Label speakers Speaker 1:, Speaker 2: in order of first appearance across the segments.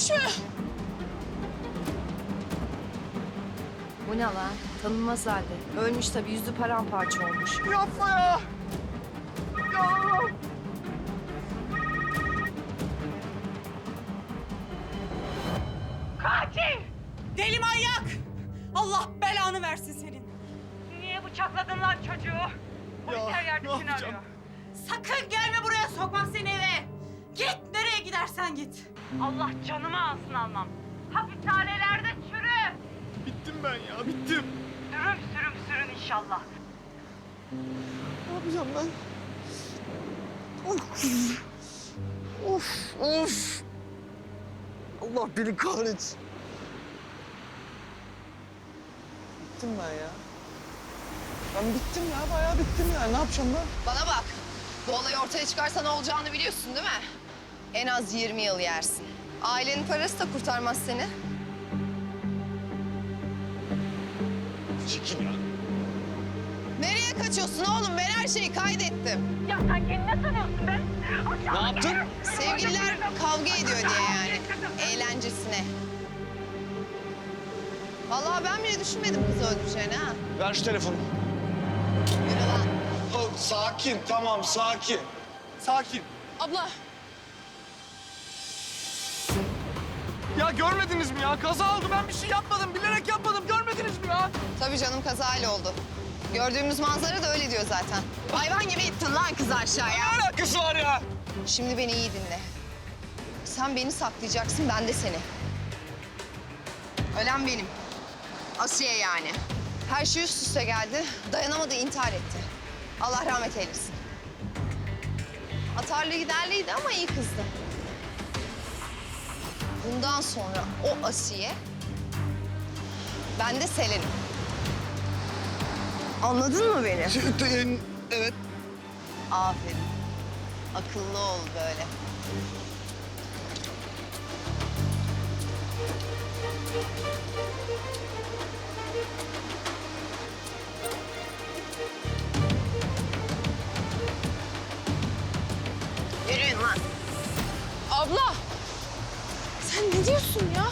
Speaker 1: ölmüş mü?
Speaker 2: Bu ne lan? Tanınmaz halde. Ölmüş tabii, yüzü paramparça olmuş.
Speaker 1: Yapma ya. Ya.
Speaker 3: Katil! Deli manyak! Allah belanı versin senin. Niye bıçakladın lan çocuğu? Polis her yerde seni arıyor. Sakın gelme buraya, sokmam seni eve. Git, nereye gidersen git. Allah canımı alsın almam. Hapishanelerde çürü.
Speaker 1: Bittim ben ya, bittim.
Speaker 3: Sürüm sürüm sürün inşallah.
Speaker 1: Ne yapacağım ben? Of. Of, of. Allah beni kahretsin. Bittim ben ya. Ben bittim ya, bayağı bittim ya. Ne yapacağım ben?
Speaker 2: Bana bak. Bu olay ortaya çıkarsa ne olacağını biliyorsun değil mi? En az 20 yıl yersin. Ailenin parası da kurtarmaz seni.
Speaker 1: Çekil ya.
Speaker 2: Nereye kaçıyorsun oğlum? Ben her şeyi kaydettim.
Speaker 3: Ya sen kendini ne sanıyorsun be?
Speaker 1: Ne yaptın?
Speaker 2: Sevgililer kavga ediyor diye yani. Eğlencesine. Vallahi ben bile düşünmedim kızı öldüreceğini ha.
Speaker 1: Ver şu telefonu.
Speaker 2: Yürü lan.
Speaker 1: Oh, sakin, tamam, sakin. Sakin.
Speaker 2: Abla.
Speaker 1: Ya görmediniz mi ya? Kaza oldu, ben bir şey yapmadım. Bilerek yapmadım, görmediniz mi ya?
Speaker 2: Tabii canım, kazayla oldu. Gördüğümüz manzara da öyle diyor zaten. Hayvan gibi ittin lan kızı aşağıya.
Speaker 1: Ne alakası var ya?
Speaker 2: Şimdi beni iyi dinle. Sen beni saklayacaksın, ben de seni. Ölen benim. Asiye yani. Her şey üst üste geldi. Dayanamadı, intihar etti. Allah rahmet eylesin. Atarlı giderliydi ama iyi kızdı. Bundan sonra o Asiye, ben de Selen'im. Anladın mı beni?
Speaker 1: Evet.
Speaker 2: Aferin. Akıllı ol böyle. Yürüyün lan.
Speaker 4: Abla! Sen ne diyorsun ya?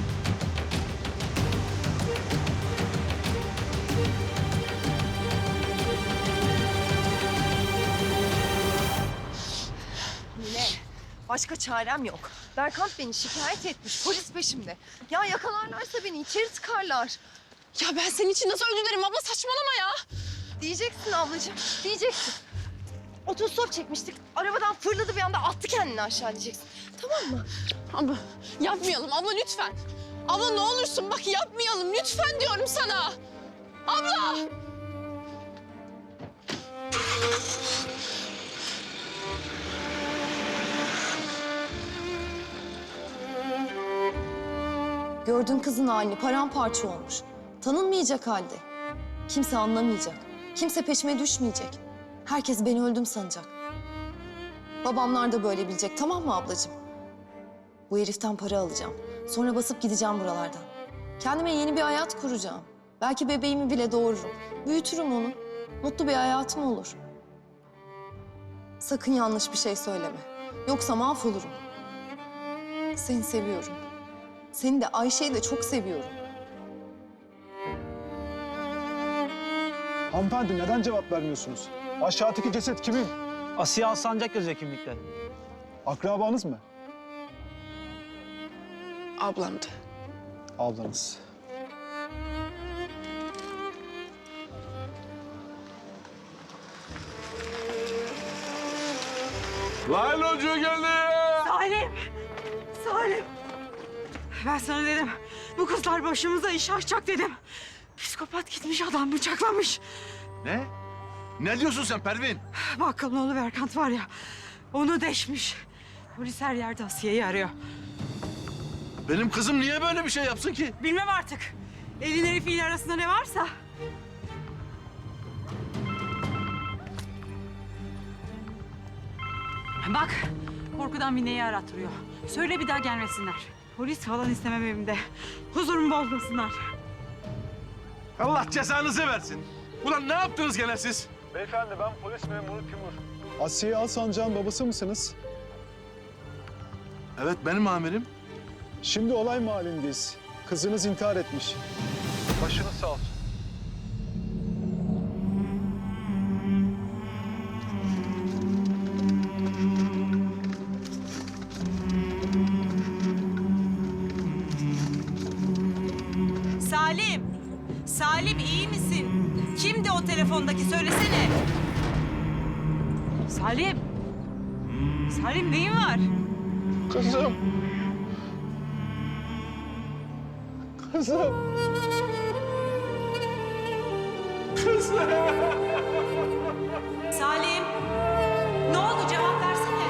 Speaker 2: Mine, başka çarem yok. Berkant beni şikayet etmiş, polis peşimde. Ya yakalarlarsa beni içeri tıkarlar.
Speaker 4: Ya ben senin için nasıl özür dilerim abla, saçmalama ya.
Speaker 2: Diyeceksin ablacığım, diyeceksin. Otostop çekmiştik, arabadan fırladı bir anda attı kendini aşağı diyeceksin. Tamam mı?
Speaker 4: Abla yapmayalım abla lütfen. Abla ne olursun bak yapmayalım lütfen diyorum sana. Abla!
Speaker 2: Gördün kızın halini, paramparça olmuş. Tanınmayacak halde. Kimse anlamayacak. Kimse peşime düşmeyecek. Herkes beni öldüm sanacak. Babamlar da böyle bilecek, tamam mı ablacığım? Bu heriften para alacağım. Sonra basıp gideceğim buralardan. Kendime yeni bir hayat kuracağım. Belki bebeğimi bile doğururum. Büyütürüm onu. Mutlu bir hayatım olur. Sakın yanlış bir şey söyleme. Yoksa mahvolurum. Seni seviyorum. Seni de Ayşe'yi de çok seviyorum.
Speaker 5: Hanımefendi neden cevap vermiyorsunuz? Aşağıdaki ceset kimin?
Speaker 6: Asiye Alsancak yazıyor kimlikte.
Speaker 5: Akrabanız mı?
Speaker 4: Ablamdı.
Speaker 5: Ablanız.
Speaker 1: Lan hoca geldi.
Speaker 3: Salim! Salim! Ben sana dedim, bu kızlar başımıza iş açacak dedim. Psikopat gitmiş, adam bıçaklamış.
Speaker 7: Ne? Ne diyorsun sen Pervin?
Speaker 3: Bakkalın oğlu Berkant var ya, onu deşmiş. Polis her yerde Asiye'yi arıyor.
Speaker 7: Benim kızım niye böyle bir şey yapsın ki?
Speaker 3: Bilmem artık. Elin herifiyle arasında ne varsa. Bak, korkudan Mine'yi arattırıyor. Söyle bir daha gelmesinler. Polis falan istemem evimde. Huzurumu bozmasınlar.
Speaker 7: Allah cezanızı versin. Ulan ne yaptınız gene siz?
Speaker 5: Beyefendi ben polis memuru Timur. Asiye Alsancak'ın babası mısınız?
Speaker 7: Evet benim amirim.
Speaker 5: Şimdi olay mahallindeyiz. Kızınız intihar etmiş. Başınız sağ olsun.
Speaker 3: Salim! Salim iyi misin? Kimdi o telefondaki söylesene. Salim! Salim neyin var?
Speaker 5: Kızım. Kızım.
Speaker 3: Salim! Ne oldu cevap versene.